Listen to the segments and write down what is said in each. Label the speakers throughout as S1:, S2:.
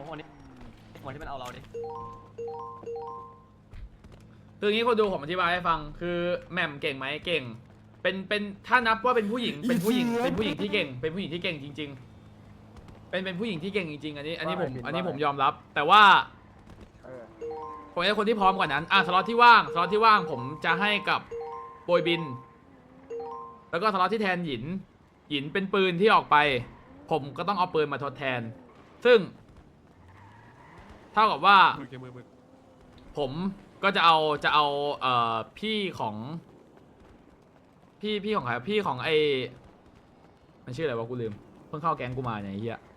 S1: คนที่มันเอาเราดิ
S2: คืออย่างนี้คนดูผมอธิบายให้ฟังคือแหม่มเก่งไหมเก่งเป็นถ้านับว่าเป็นผู้หญิงที่เก่งเป็นผู้หญิงที่เก่งจริงๆเป็นผู้หญิงที่เก่งจริงๆอันนี้ผมยอมรับแต่ว่าผมให้คนที่พร้อมกว่านั้นสล็อตที่ว่างผมจะให้กับโบยบินแล้วก็สล็อตที่แทนหยินเป็นปืนที่ออกไปผมก็ต้องเอาปืนมาทดแทนซึ่งเท่ากับว่าผมก็จะเอาพี่ของพี่ของใครพี่ของไอมันชื่ออะไรวะกูลืมเพิ่งเข้าแก๊งกูมาเนี่ยไอ้เหี้ย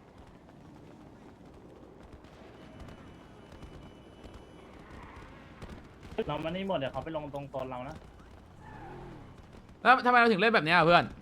S3: เรามันนี่หมดเดี๋ยวเขาไปลงตรงโซนเรานะ
S2: แล้วทำไมเราถึงเล่นแบบเนี้ยเพื่อน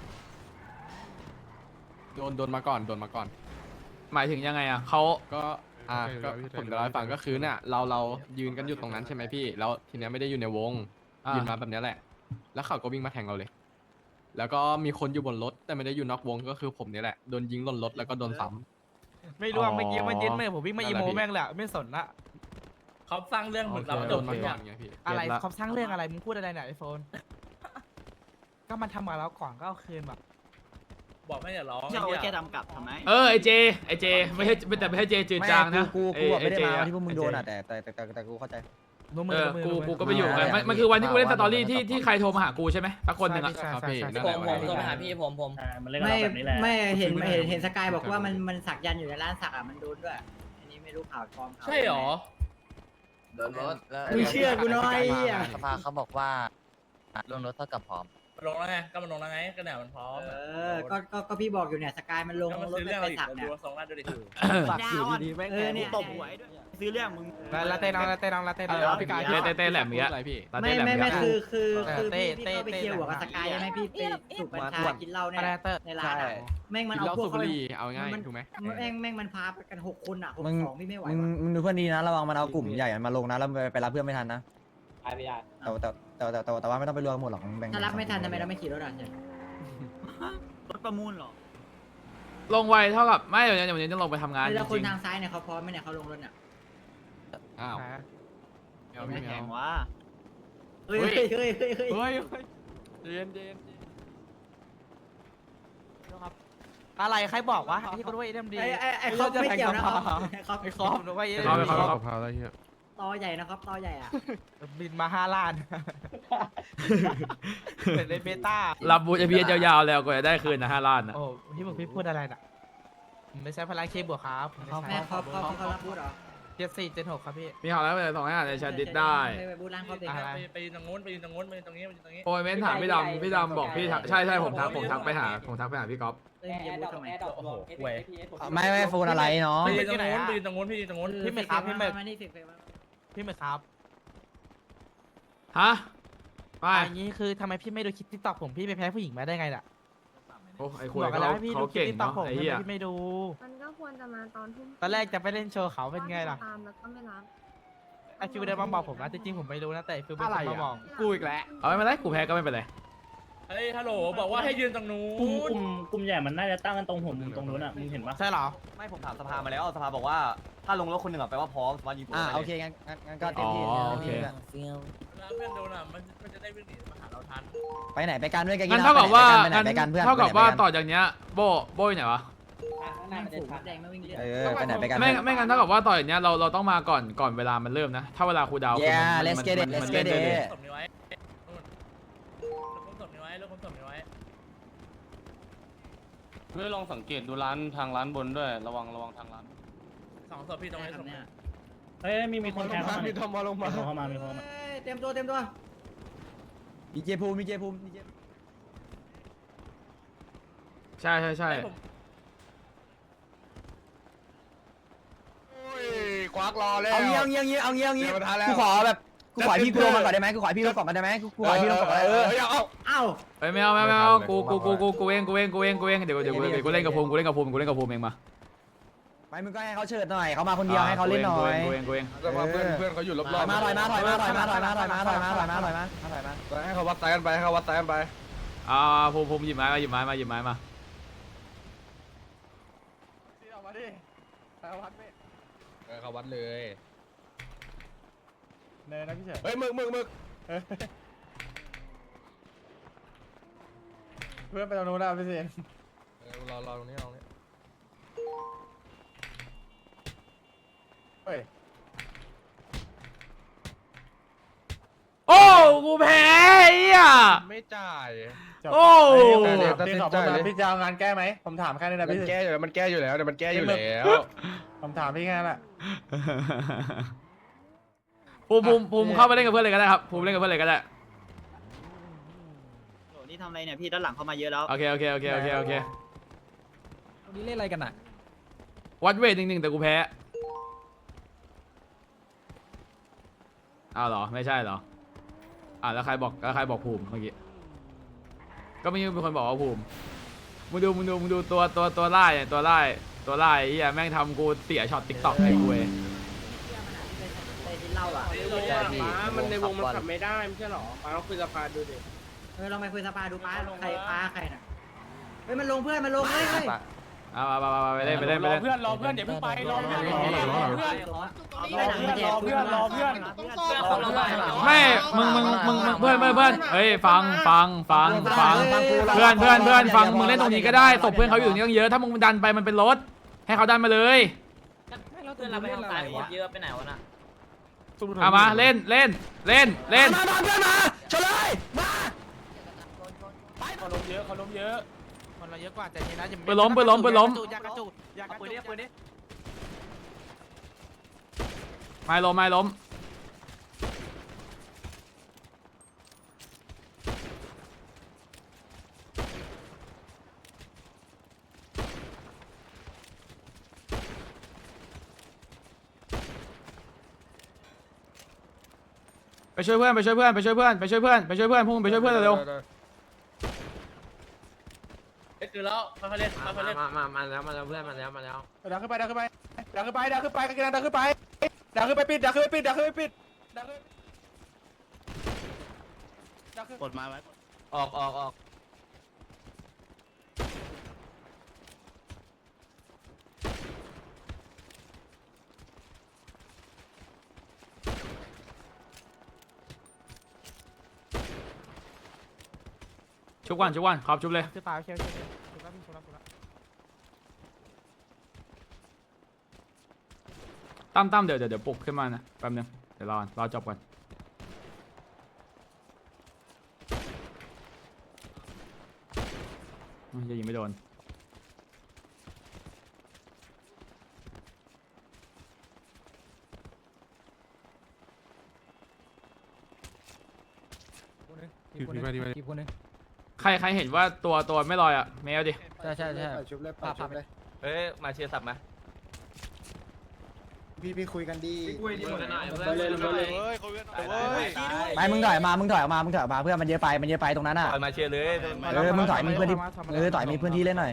S4: โดนมาก่อน
S2: หมายถึงยังไงเขา
S4: ก็ก็ผมจะเล่าให้ฟังก็คือเนี่ยเรายืนกันอยู่ตรงนั้นใช่ไหมพี่แล้วทีเนี้ยไม่ได้อยู่ในวงยืนมาแบบเนี้ยแหละแล้วเขาก็วิ่งมาแทงเราเลย แล้วก็มีคนอยู่บนรถแต่ไม่ได้อยู่นอกวงก็คือผมเนี่ยแหละโดนยิงหล่นรถแล้วก็โดนซ้ำ
S5: ไม่ร่วงไม่ยิ้มไม่ยิ้มไม่ผมวิ่งมาอีโมแม่งแหละไม่สนละ
S3: เขาสร้างเรื่องเหมือนเรา
S4: โด
S3: จ
S4: น
S3: บ
S4: มา
S3: เลย
S4: ก่อ
S3: อะ
S4: นไงพี่
S5: อะไรเขาสร้างเรื่องอะไรมึงพูดอะไรเนี่ยไอโฟนก็มันทำมาแล้วก่อนก็เอาคืนแบบ
S3: บอกไม่อย่าร้อง
S1: จะเอาไว้แกทำกลับทำไม
S2: ไอเจไม่ใช่แต่ไม่ใช่เจจืดจางนะ
S6: กูแบบไม่ได้มาที่พวกมึงโดน
S2: อะ
S6: แต่กูเข้าใจ
S2: กูก็ไปอยู่กันมันคือวันที่กูเล่นสตอรี่ที่ใครโทรมาหากูใช่ไหมสักคนหนึ่งอะ
S4: ครับพี่นั่น
S1: ผ
S4: แหละ
S1: มโทรไปหาพี่ผม
S3: มันเล่นกับเราแบบนี้แหละ
S7: ไม่เห็นสกายบอกว่ามันสักยันอยู่ในร้านสักมันโดนด้วยอันนี้ไม่รู้ข่าวปลอมข่าว
S3: ใช่หรอ
S1: โดนรถแล้ว
S7: มึงเชื่อกูหน่อยอ่ะ
S1: สภาเขาบอกว่าลงรถเท่ากับพร้อม
S3: มันลงแล้วไงก็มันลงแล้วไงก็เนี่ยมันพร้อม
S7: ก็พี่บอกอยู่เนี่ยสกายมันลง
S3: ก็มัน
S7: รถ
S3: ซื้อเรื่อง
S7: ไป
S3: เราอีก
S7: สัก
S3: ดู
S7: เนี่ย
S3: สองล้านดูดิ
S1: สักอยู่ดีๆแม่ง
S7: เนี่ย
S1: ตบหัวด้วยซื้อเรื่องมึง
S5: ลาเต้น้องพี่กาย
S2: เต้แหลมเงี้ย
S4: อะไรพี่
S7: ไม่คือพี่
S5: เต้
S7: เข้าไปเคลียร์หัวกับสกายใช่ไหมพี่ไปสูบกัญชากินเหล้าเนี่ยในร้านแม่งมัน
S4: กิน
S7: เอา
S4: เหล้า
S7: พว
S4: สู
S7: ก
S4: บบุหรี่เอาง่ายถูกไหม
S7: แม่งมันพากัน6 คนอ่ะ6 2พี่ไม่ไหว
S6: มึงดูเพื่อนดีนะระวังมันเอากลุ่มใหญ่มาลงนะแล้วไปรับเพื่อนไม่ทันนะแต่ว่าไม่ต้องไปรวมหมดหรอกแบ่ง
S7: ถ้ารับไม่ทันทำไมเราไม่ขี่รถอ่ะ
S1: รถประมูลเหรอ
S2: ลงไวเท่ากับไม่เดี๋ยวนี้ต้องลงไปทำงานจ
S7: แล้วคน
S2: ริง
S7: ทางซ้ายเนี่ยเขาพร้อมไหมเนี่ยเขาลงรถเนี่ย
S4: อ้าวเอา
S1: ไม่
S4: ไม่
S1: แข่ง
S4: เอา
S1: วะ
S7: เฮ้ย
S4: เย็น
S5: อะไรใครบอกวะที่คนว่าเอ็มดี
S7: ไอ้เขาไม่เกี่ยวนะครับ
S5: ไอ้คอมว่าเอ็ม
S2: เขา
S4: พาอะไรเงี้ย
S7: ตอใหญ่นะครับตอใหญ่อ่ะ
S5: บินมา5 ล้านเป็นในเบต้า
S2: รับบูจะเบียยาวๆแล้วก็จะได้คืนนะ5 ล้านนะ
S5: โอ้ที่มึงพี่พูดอะไรน่ะไม่ใช่พลังเคบวกครับ
S7: แม่เขารับพูดเหรอ
S5: 7476ครับพี่
S2: มีข่าวแล้วส่งให้อ่านในแชทดิสได้
S7: ไปบูร่างเขาเด็ก
S3: ไปยืนตรงนู้นไปยืนตรงนู้นไปยืนตรงนี้ไปยืนตรงนี้
S2: โอ้ยเม้นถามพี่ดำบอกพี่ใช่ผมทักไปหาพี่ก๊อฟ
S7: เล่นเกมบูทำไม
S3: โอ้โหเว้ย
S6: ไม่โฟนอะไรเนาะ
S3: ไปยืนตรงนู้นไปยืนตรงนู้นพี่ยืนตรงนู้น
S5: พี่ไม่ครับพี่ไม่
S7: มานี่10
S5: พี่ไม่ครับ
S2: ฮะไม่
S5: อันนี้คือทำไมพี่ไม่ดูคลิปทิกตอกผมพี่ไปแพ้ผู้หญิงมาได้ไงล่ะ
S2: โอ้ไอ้คุย
S5: บอกกันแล้วให้พี่
S2: เขา
S5: ดูคลิป
S2: เก่ง
S5: ทิกตอก
S2: เนาะ
S5: ผม
S2: ไอ้
S5: ทำ
S2: เหี้ย
S5: ไมพี่ไม่ดู
S8: มันก็ควรจะมาตอนทุ่ม
S5: ตอนแรกจะไปเล่นโชว์เขาเป็นไงล่ะ
S8: ตามแล้วก็ไม่รับ
S5: ไอฟิวเดินมาบอกผมนะจริงๆผมไม่รู้นะแต่ฟิวเป็นคนมาบอก
S4: กูอีกแล้ว
S2: เอาไม่เป็นไรกูแพ้ก็ไม่เป็นไร
S3: เฮ้ยฮัลโหลบอกว่าให้ยืนตรงนู้นกลุ่มใหญ่มันน่าจะตั้งกันตรงผมตรงนู้นอ่ะมึงเห็นปะ
S5: ใช่เหรอ
S1: ไม่ผมถามสภามาแล้วสภาบอกว่าถ้าลงรถคนหนึ่งแปลว่าพร้อมมายิงตัว
S6: โอเคงั้นก็เต็มที่
S3: เพื่อนโดนอ่ะมันจะได้วิ่งหนีมาหาเราทัน
S6: ไปไหนไปกันด้วยกัน
S2: งั้นเท่ากับว่า
S6: ไปกันเพื่อน
S2: เท่ากับว่าต่อจากเนี้ยโบอยู่ไหนวะ
S7: แม่งฝูงแดงไม่วิ่งเล่น
S6: ไปไหนไปกัน
S2: ไม่งั้นเท่ากับว่าต่อจากเนี้ยเราต้องมาก่อนเวลามันเริ่มนะถ้าเวลาครูดาว
S6: Yeah let's get it let's get it
S3: ศพนี้ไว้ศพนี้ไว้เลิกศพนี้ไว้
S9: เพื่อลองสังเกตดูร้านทางร้านบนด้วยระวังทางร้าน
S3: 2 ศพพี่ตรงนี้ศพ
S7: เนี่ย
S3: เฮ้ยมีคนแทงเข้ามามีคนเข้ามามีคนเข้ามา
S7: เต็มตัว
S6: มีเจภูมิ
S2: ใช่
S4: ควักรอแล้ว
S6: เอางี้กูขอแบบกูขอพี่ลงมาก่อนได้ไหมกูขอพี่ลงก่อนได้ไหมกูขอพี่ลงก่อนเ
S7: เอ้า
S2: เฮ้ยไม่เอากูเองเดี๋ยวกูเล่นกับภูมิเองมา
S6: ไปมึงก็ให้เขาเชิดหน่อยเขามาคนเดียวให้เขาเล่นหน่อย
S2: กูเอง
S4: แต่ว่าเพื่อนเขาอยู่รอบๆ
S6: มาให้เขาวัดไตกันไป
S2: ภูมิหยิบไม้มา
S4: เขาวัดเลย
S3: เนยนะพี่เฉย
S4: เฮ้ยมึก
S3: เพื่อนไปตรงนู้นแล้วพี่เซน
S4: รอตรงนี้รอตรงนี้
S3: เฮ้ย
S2: โอ้กูแพ้ไอ้เหี้ย
S4: ไม่จ่าย
S2: โอ้
S3: พี่ขอบคุณนะพี่จะเอางานแก้ไหมผมถามแค่นี้นะ
S4: มัน
S3: พี่
S4: แก้อยู่แล้วมันแก้อยู่แล้วเดี๋ยวมันแก้อยู่แล้ว
S3: ผมถามพี่แค่นั้นแหละ
S2: ภูมิเข้าไปเล่นกับเพื่อนเลยก็ได้ครับภูมิเล่นกับเพื่อนเลยก็ได้
S7: นี่ทำอะไรเนี่ยพี่ด้านหลังเข้ามาเยอะแล้ว
S2: โอเค
S6: ตรงนี้เล่นอะไรกันอ่ะ
S2: วัดเวทหนึ่งแต่กูแพ้อ้าวเหรอไม่ใช่เหรอแล้วใครบอกภูมิเมื่อกี้ก็ไม่มีคนบอกว่าภูมิมึงดูตัวไล่เนี่ยตัวไล่ไอ้เหี้ยแม่งทำกูเสียช็อตติ๊กต็อกไอ้กูเอง
S7: ได้กินเหล้าอ่ะ
S9: มันในวงมันขับไม่ได้ไม่ใช่หรอป้าต้องคุยกับพาดูดิ
S7: ลองไปคุยสภาดูป้าใครน่ะเฮ้ยมันลงเพื่อนมันลงเฮ้ย
S2: เอาไปเล่น
S9: รอเพื่อนเดี๋ยวเพิ่งไปรอเพื่อน
S2: ไม่มึงเพื่อนเฮ้ยฟังเพื่อนฟังมึงเล่นตรงนี้ก็ได้ศพเพื่อนเขาอยู่ตรงนี้ตั้งเยอะถ้ามึงดันไปมันเป็นรถให้เขาดันมาเลย
S6: เพื่อนเราไปทางซ้ายเยอะไปไหนวะน่ะ
S2: เอามาเล่น
S6: มาเพื่อนมาชนเลยมา
S9: เขาล้มเยอะ
S5: คนเราเยอะกว่าใจเย็นนะอย่า
S2: ปืนล้ม
S5: อย่ากระจุก
S1: ปืนนี้
S2: ไม่ล้มไปช่วยเพื่อนพุ่งไปช่วยเพื่อนเร็ว
S9: คือแล้วเขาเล่น
S6: มาแล้วเพื่อนมาแล้ว
S3: ดังขึ้นไปปิดดังขึ้นไปปิด
S9: กดมาไว้
S1: ออก
S2: ชุบวันครับชุบเลย
S5: คือตายโอเคชุบแล้วพี่ชุบแล้ว
S2: ตั้มเดี๋ยวปลุกขึ้นมานะแป๊บนึงเดี๋ยวรอจบก่อนจะยิงไม่โดนใครเห็นว่าตัวไม่ลอยอ่ะเมลดิ
S6: ใช่ภาพเลย
S1: เฮ้ยมาเชียร์สับมา
S10: พี่คุยกันดี
S6: ไปมึงถอยออกมาเพื่อนมันเยอะไปตรงนั้นอ่ะ
S1: มาเชียร์เลย
S6: มึงถอยมีเพื่อนที่ถอยมีเพื่อนที่เล่นหน่อย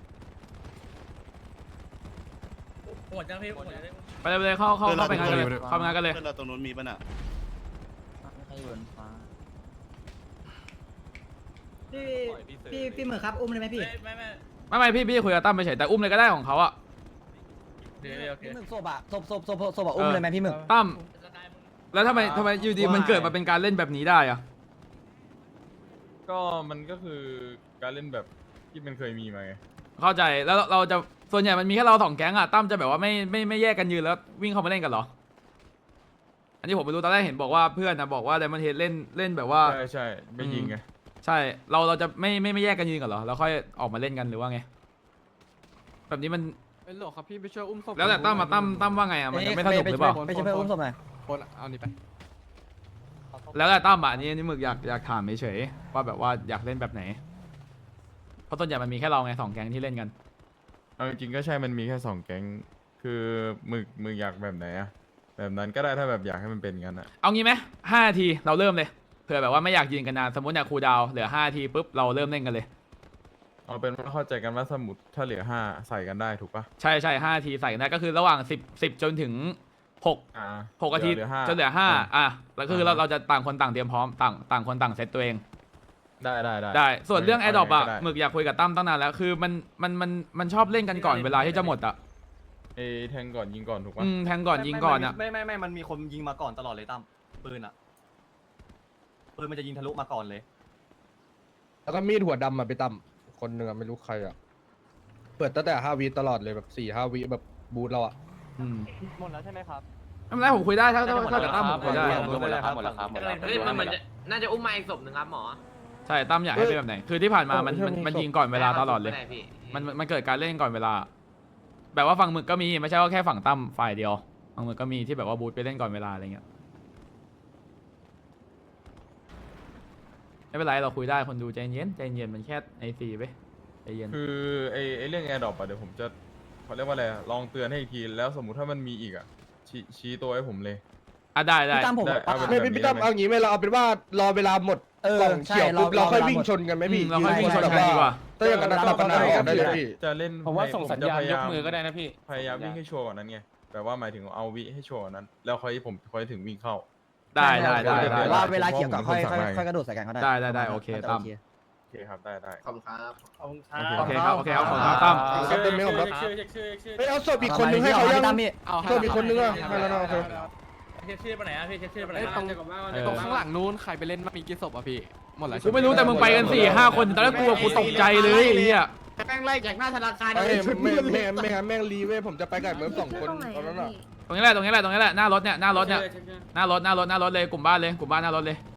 S9: หมดจังพี่
S2: ไปเลยเข้าไปงานกันเลยเข้างานกันเลย
S9: เพื่อนเราตรงนู้นมีป่ะน่ะ
S7: พี่เหมือครับอุ้มเลยไหมพี่
S2: ไม่พี่คุยกับตั้มไปเฉยแต่อุ้มเลยก็ได้ของเขาอ่ะ
S6: พี่หมึกศพอ่ะศพอุ้มเลยไหมพี่หมึก
S2: ตั้มแล้วทำไมอยู่ดีมันเกิดมาเป็นการเล่นแบบนี้ได้อ่ะ
S11: ก็มันก็คือการเล่นแบบที่มันเคยมีมาไง
S2: เข้าใจแล้วเราจะส่วนใหญ่มันมีแค่เรา2แก๊งอ่ะตั้มจะแบบว่าไม่แยกกันยืนแล้ววิ่งเข้ามาเล่นกันเหรออันนี้ผมไม่รู้ตอนแรกเห็นบอกว่าเพื่อนนะบอกว่าไดมอนด์เฮดเล่นแบบว่า
S11: ใช่ไม่ยิงไง
S2: ใช่เราจะไม่แยกกันยืนกันเหรอแล้วค่อยออกมาเล่นกันหรือว่าไงแบบนี้มัน
S4: เป็นหลอกครับพี่ไปช่วยอุ้มศพ
S2: แล้วแต่ตั้มว่าไงอ่ะมันจะไม่สนุกหรือเปล่า
S6: ไปช่วยเพื่อนอุ้มศพหน่อย
S4: คนเอานี่ไป
S2: แล้วแต่ตั้มอ่ะอันนี่หมึกอยากถามเฉยๆว่าแบบว่าอยากเล่นแบบไหนเพราะส่วนใหญ่มันมีแค่เราไง2แก๊งที่เล่นกัน
S11: เอาจริงๆก็ใช่มันมีแค่2แก๊งคือมึกอยากแบบไหนอะแบบนั้นก็ได้ถ้าแบบอยากให้มันเป็นงั้นอะ
S2: เอางี้ไหม5 นาทีเราเริ่มเลยเผื่อแบบว่าไม่อยากยืนกันนานสมมติอยากคูลดาวน์เหลือ5 นาทีปุ๊บเราเริ่มเล่นกันเลย
S11: เอาเป็นว่าเข้าใจกันว่าสมุดถ้าเหลือ5ใส่กันได้ถูกปะ
S2: ใช่5 นาทีใส่กันได้ก็คือระหว่าง10จนถึง6นาที
S11: เหลือ5
S2: จนเหลือ5แล้วก็คือเราจะต่างคนต่างเตรียมพร้อมต่างคนต่างเซตตัวเอง
S11: ได้
S2: ส่วนเรื่องแอดดอปอ่ะ
S11: ได้
S2: หมึกอยากคุยกับตั้มตั้งนานแล้วคือมันชอบเล่นกันก่อนเวลาที่จะหมดอ่ะ
S11: ไอ้แทงก่อนยิงก่อนถูกปะ
S2: แทงก่อนยิงก่อนอ่ะ
S1: ไม่มันมีคนยิงมาก่อนตลอดเลยตั้มปืนอ่ะปืนมันจะยิงทะลุมาก่อนเลย
S10: แล้วก็มีดหัวดำมาไปตั้มคนหนึ่งอะไม่รู้ใครอะเปิดตั้งแต่5 วิตลอดเลยแบบ4-5 วิแบบบูทเราอะ
S1: หมดแล้วใช่ไหมครับ
S2: ไม่เป็นไรผมคุยได้ถ้ากับตั้มผมคุยได้
S9: หมดแล้วครับหมดแล้วครับหมดแล้ว
S3: เฮ้ยมันเหมือนน่าจะอุ้มมาอีกศพหนึ่งครับหมอ
S2: ใช่ตั้มอยากให้เป็นแบบไหนคือที่ผ่านมามันยิงก่อนเวลาตลอดเลยมันเกิดการเล่นก่อนเวลา แบบว่าฝั่งมึกก็มีไม่ใช่ว่าแค่ฝั่งตั้มฝ่ายเดียวฝั่งมึกก็มีที่แบบว่าบูทไปเล่นก่อนเวลาอะไรเงี้ยไม่เป็นไรเราคุยได้คนดูใจเย็นมันแค่ไอซีไปใจเย็น
S11: คือไอ้เรื่องแอร์ดรอปอะเดี๋ยวผมจะเขาเรียกว่าอะไรอะลองเตือนให้อีกทีแล้วสมมุติถ้ามันมีอีกอะชี้ตัวให้ผมเลย
S2: อ่ะได้
S6: พี่ตั้มผม
S11: ได้
S6: บอกว่า
S11: เอา
S10: ไม่
S11: แบบนี้
S10: พี่ตั้มเอางี้ไหมเราเอาเป็นว่ารอเวลาหมด
S6: เออก
S10: ล่องเขียวปุ๊บ
S6: ใช่
S10: เราค่อย
S6: รอ
S10: วิ่ง
S6: เวลาหมด
S10: ชนกันไหมพี่
S2: เราค่อยวิ่งชน
S10: แบบ
S2: กันดีกว่า
S10: ถ้าอย่างนั้นเราก็ได้ได้เลยพี่
S11: จะเล่น
S9: ผมว่าส่งสัญญาณ
S11: ผมจะพ
S9: ยกมือก็ได้นะพี่
S11: พยายามวิ่งให้ชัวร์กว่านั้นไงแบบว่าหมายถึงเอาวิให้ชัวร์กว่านั้น แล้วค่อยถึงวิ่งเข้า
S2: ได้
S6: ว่าเวลาเขียวก็ค่อย
S11: ผมเป็นคนสั่งให้
S6: ค่อยกระโดดใส่กันก็ได้
S2: ได้โอเคตั้ม
S11: โอเคครับได้
S3: ขอบคุณครับ
S2: โอเคครับขอบคุณครับตั้ม
S10: ครับเต็มไหมครับ
S3: ชื่อ
S10: เฮ้ยเอาศพอีกคนนึงให้เขายัง
S6: ตั้มพี่
S4: เอาให้
S10: ศพอีกคนนึงอะให้แล้วนะโอเค
S3: เช็คชื่อไปไหนอ่ะพี่เช็คชื่อไปไหน
S4: เอ้ยตรงข้างหลังนู้นใครไปเล่นมามีกี่ศพอะพี่หมดแล้ว
S2: กูไม่รู้แต่มึงไปกัน4-5 คนตอนแรกกูตกใจเลยไอ้เหี้ย
S3: แม่งไล่จากหน้าธนาคาร
S10: เอ้ยแม่งรีเว้ยผมจะไปกับเมิร์ฟ2 คน
S8: ตรงไหน
S10: ตอนนั้น
S8: อะ
S10: อะ
S8: พี่
S2: ตรงนี้แหละหน้ารถเลยกลุ่มบ้านหน้ารถเลย